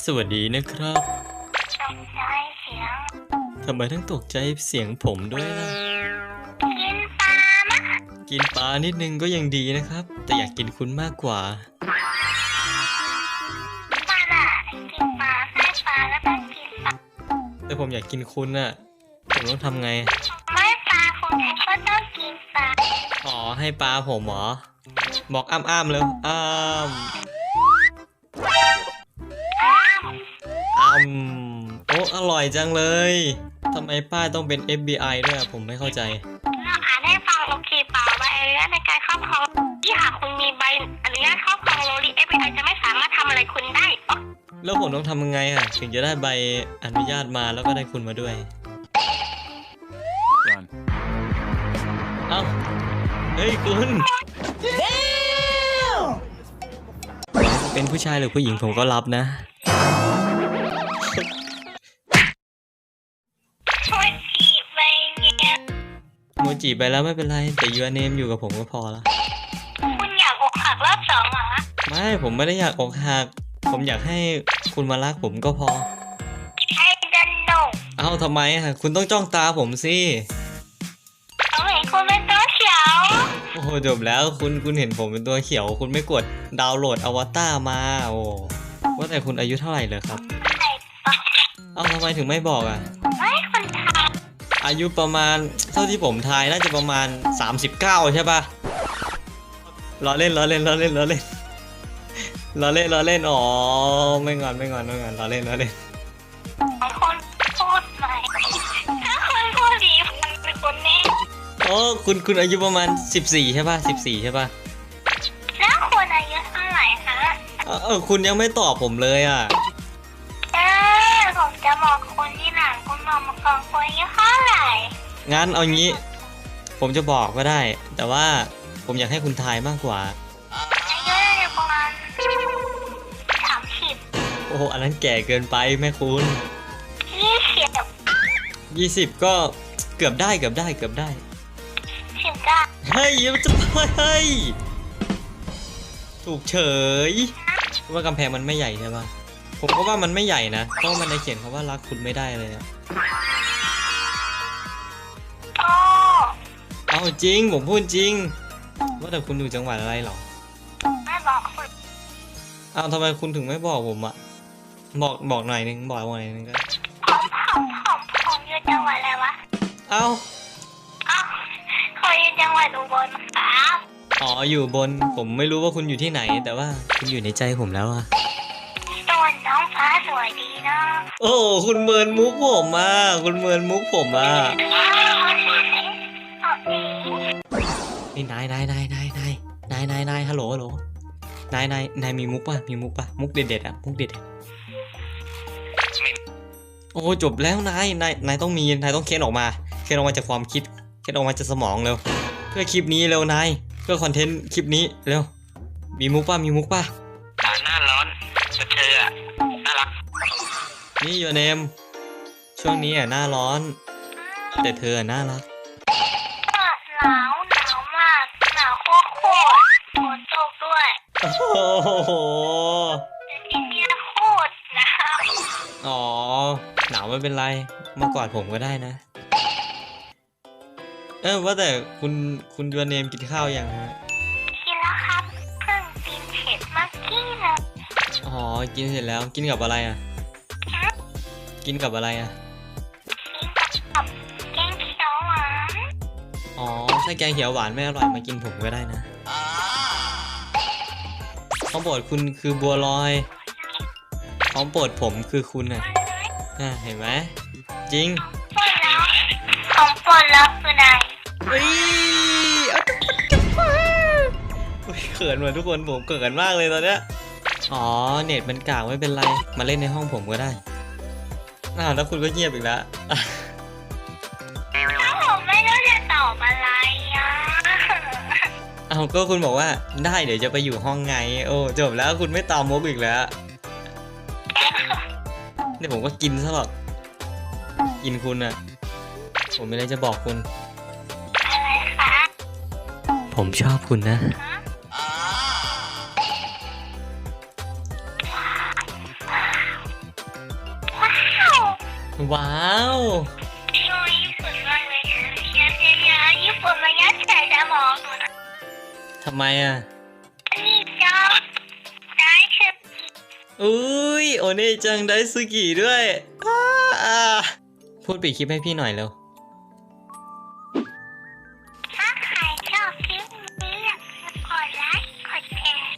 สวัสดีนะครับตกใจเสียงทำไมต้องตกใจเสียงผมด้วยล่ะกินปลานะกินปลานิดนึงก็ยังดีนะครับ แต่อยากกินคุณมากกว่าปลาละกินปลาให้ปลาแล้วก็กินปลาแต่ผมอยากกินคุณน่ะผมต้องทำไงไม่ปลาคงก็ต้องกินปลาอ๋อให้ปลาผมเหรอ บอกอ้ามเลยอ้ามโอ้อร่อยจังเลยทำไมป้าต้องเป็น FBI ด้วยผมไม่เข้าใจเราอ่านให้ฟังโอเคเปล่าใบอนุญาตในการครอบครองที่หากคุณมีใบอนุญาตครอบครองโรลี FBI จะไม่สามารถทำอะไรคุณได้แล้วผมต้องทำยังไงอ่ะถึงจะได้ใบอนุญาตมาแล้วก็ได้คุณมาด้วย Run. เอ้าเฮ้ยคุณเป็นผู้ชายหรือผู้หญิงผมก็รับนะช่วยจีบใบเนี่ยโมจิไปแล้วไม่เป็นไรแต่ยูเนมอยู่กับผมก็พอละคุณอยากอกหักรอบสองเหรอไม่ผมไม่ได้อยากอกหักผมอยากให้คุณมารักผมก็พอไอ้ดันโนเอ้าทำไมอ่ะคุณต้องจ้องตาผมสิเขาเห็นคุณเป็นตัวเขียวโอ้โหจบแล้วคุณเห็นผมเป็นตัวเขียวคุณไม่กดดาวน์โหลดอวตารมาโอ้ว่าแต่คุณอายุเท่าไหร่เลยครับไอ้ปะเอ้าทำไมถึงไม่บอกอ่ะไม่คนทอายุประมาณเท่าที่ผมทายน่าจะประมาณ39ใช่ปะล้อเล่นล้อเล่นล้อเล่นล้อเล่นล้อเล่นล้อเล่นอ๋อไม่งอนล้อเล่นล้อเล่นำคนพูดใหม่ถ้าคนพูดดีมันเป็นคนแน่โอ้คุณอายุประมาณ14ใช่ปะ14ใช่ปะแล้วคนอายุเท่าไหร่คะคุณยังไม่ตอบผมเลยอ่ะผมจะบอกคนที่หลังคุณบอกมาก่อนคนอายุเท่าไหร่งั้นเอางี้ผมจะบอกก็ได้ แต่ว่าผมอยากให้คุณทายมากกว่าอายุน่าจะประมาณ30 โอ้โหอันนั้นแก่เกินไปแม่คุณ 20 20ก็เกือบได้ 19 เฮ้ยมันจะเฮ้ยถูกเฉยว่ากำแพงมันไม่ใหญ่ใช่ปะผมก็ว่ามันไม่ใหญ่นะเพราะมันได้เขียนคำว่ารักคุณไม่ได้เลยอะโอ้เอาจริงผมพูดจริงว่าแต่คุณอยู่จังหวัดอะไรหรอไม่บอกคุณเอาทำไมคุณถึงไม่บอกผมอะบอกหน่อยนึงบอกหน่อยนึงก็ผมอยู่จังหวัดอะไรวะเอ้าอ้าวเขาอยู่จังหวัดอุบลครับอ๋ออยู่บนผมไม่รู้ว่าคุณอยู่ที่ไหน แต่ว่าคุณอยู่ในใจผมแล้วอะส่วนน้องฟ้าสวยดีนะโอ้คุณเมินมุกผมอะคุณเมินมุกผมอะนี่นายฮัลโหลนายมีมุกป่ะมุกเด็ดๆอะมุกเด็ดๆโอ้จบแล้วนายต้องมีนายต้องเค้นออกมาจากความคิดเค้นออกมาจากสมองเร็วเพื่อคลิปนี้เร็วนายเพื่อคอนเทนต์คลิปนี้เร็วมีมุกป่ะหน้าร้อนแต่เธออะน่ารักนี่ยูเนมช่วงนี้อ่ะหน้าร้อน แต่เธออ่ะน่ารักหนาวมากหนาวโคตรฝนตกด้วยโอ้โหแต่ที่เนี่ยโคตรหนาวอ๋อหนาวไม่เป็นไรมากอดผมก็ได้นะว่าแต่คุณยูเนมกินข้าวยังฮะกินแล้วครับเพิ่งกินเผ็ดเมื่อกี้นะอ๋อกินเสร็จแล้วกินกับอะไรอ่ะกินกับอะไรอ่ะกินกับแกงเขียวหวานอ๋อถ้าแกงเขียวหวานไม่อร่อยมากินผมก็ได้นะของโปรดคุณคือบัวลอยของโปรดผมคือคุณอ่ะเห็นไหมจริงปวดแล้วของปวดแล้วคือไหนเฮ้ยเขินว่ะทุกคนผมเขินมากเลยตอนเนี้ยอ๋อเน็ตมันกากไม่เป็นไรมาเล่นในห้องผมก็ได้แล้วคุณก็เงียบอีกแล้วถ้าผมไม่รู้จะตอบอะไรอ่ะก็คุณบอกว่าได้เดี๋ยวจะไปอยู่ห้องไงโอ้จบแล้วคุณไม่ตามมุกอีกแล้วนี่ผมก็กินซะหรอกกินคุณอ่ะผมไม่ได้จะบอกคุณอะไรคะผมชอบคุณนะว้าวชอบญี่ปุ่นมากเลยเยอะญี่ปุ่นมายัดใส่สมองหนูนะทำไมอ่ะนี่ชอบได้คืออุ้ยโอเน่จังได้ซูกิด้วยอ่าพูดปิดคลิปให้พี่หน่อยเร็วถ้าใครชอบคลิปนี้อย่าลืมกดไลค์กดแชร์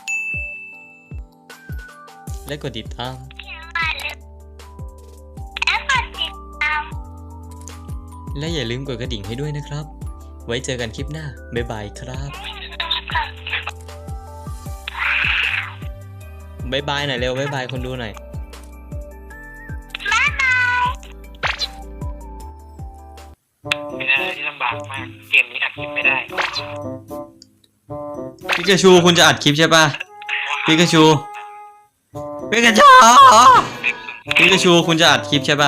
และกดติดตามอย่าลืมแล้วกดติดตามและอย่าลืมกดกระดิ่งให้ด้วยนะครับ ไว้เจอกันคลิปหน้า บ๊ายบายครับ บ๊ายบายหน่อยเร็ว บ๊ายบายคนดูหน่อยบ๊ายบายเป็นอะไรที่ลำบากมาก เกมนี้อัดคลิปไม่ได้ปิกาชูคุณจะอัดคลิปใช่ปะปิกาชูปิกาชูปิกาชูคุณจะอัดคลิปใช่ปะ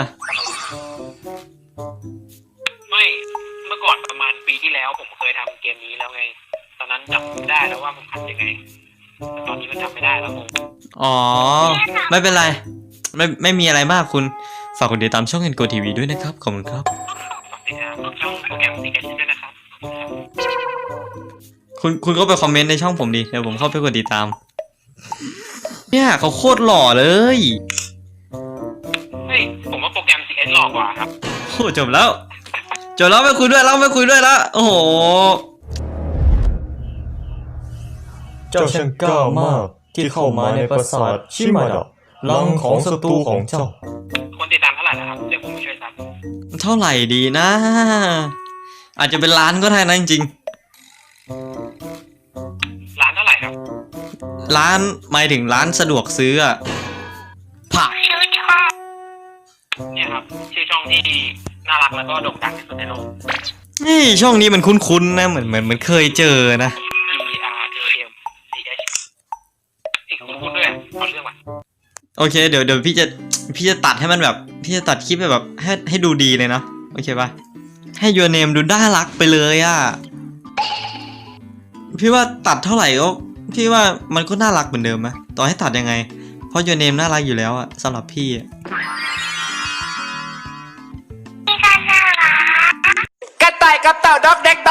ไม่ เมื่อก่อนประมาณปีที่แล้วผมเคยทำเกมนี้แล้วไง ตอนนั้นจำไม่ได้แล้วว่ามันอัดยังไงแต่ตอนนี้มันจำไม่ได้แล้วผมอ๋อ ไม่เป็นไร ไม่มีอะไรมากคุณ ฝากกดติดตามช่องเอ็นโกทีวีด้วยนะครับ ขอบคุณครับฝากติดตามช่องโปรแกรมซีเอชด้วยนะครับคุณก็ไปคอมเมนต์ในช่องผมดิ เดี๋ยวผมเข้าไปกดติดตาม เนี่ยเขาโคตรหล่อเลยเฮ้ย ผมว่าโปรแกรม CS หลอกกว่าครับโอ้จบแล้ว จบแล้วไม่คุยด้วยแล้วไม่คุยด้วยแล้ว โอ้โหเจ้าช่างกล้ามากที่เข้ามาในปราสาทชิมาดะลังของศัตรูของเจ้าคนติดตามเท่าไหร่นะครับ เดี๋ยวผมไปช่วยซับเท่าไหร่ดีนะ อาจจะเป็นล้านก็ได้นะจริงร้านเท่าไหร่ครับๆร้านหมายถึงร้านสะดวกซื้ออะผักชื่อชอบเนี่ยครับ ชื่อช่องที่น่ารักแล้วก็โด่งดังที่สุดในโลกนี่ช่องนี้มันคุ้นๆนะเหมือนเคยเจอนะ TRAM CH อีกคุณด้วยขอเรื่องมาโอเคเดี๋ยวพี่จะตัดให้มันแบบพี่จะตัดคลิปแบบให้ดูดีเลยนะโอเคปะให้ยูเนมดูน่ารักไปเลยอ่ะพี่ว่าตัดเท่าไหร่ก็พี่ว่ามันก็น่ารักเหมือนเดิมไหมต่อให้ตัดยังไงเพราะยูเนมน่ารักอยู่แล้วอ่ะสำหรับพี่อะที่กันน่ารักกระต่ายกับเต่าด็อกเด็ก